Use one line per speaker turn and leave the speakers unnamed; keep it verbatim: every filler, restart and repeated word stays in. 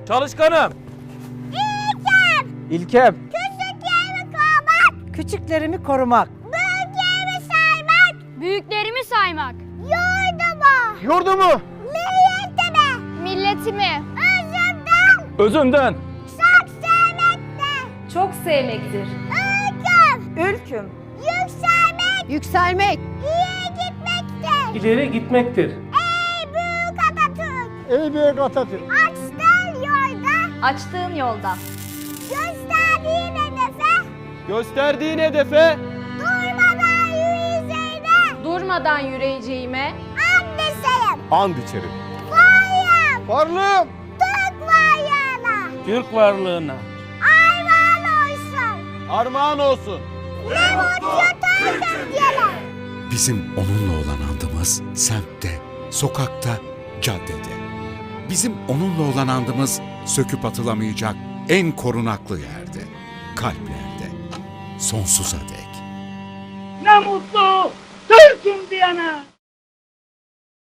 Çalışkanım.
İlkem.
İlkem.
Küçüklerimi korumak.
Küçüklerimi korumak.
Büyüklerimi saymak.
Büyüklerimi saymak.
Yurdumu.
Yurdumu.
Milletimi.
Milletimi.
Özümden.
Özümden.
Çok sevmekte.
Çok sevmektir.
Ülküm.
Ülküm.
Yükselmek.
Yükselmek.
İyi gitmekte.
İleri gitmektir.
Ey büyük Atatürk.
Ey büyük Atatürk.
Açtığın yolda.
Açtığın yolda.
Gösterdiğin hedefe.
Gösterdiğin hedefe
Durmadan yürüyeceğine.
Durmadan yürüyeceğime.
And içerim.
and içerim.
Varlığım.
Varlığım.
Türk varlığına.
Türk varlığına.
Armağan olsun.
Armağan olsun.
Ne mutlu Türk'üm.
Bizim onunla olan andımız semtte, sokakta, caddede. Bizim onunla olan andımız söküp atılamayacak en korunaklı yerde, kalplerde, sonsuza dek.
Ne mutlu Türk'üm diyene.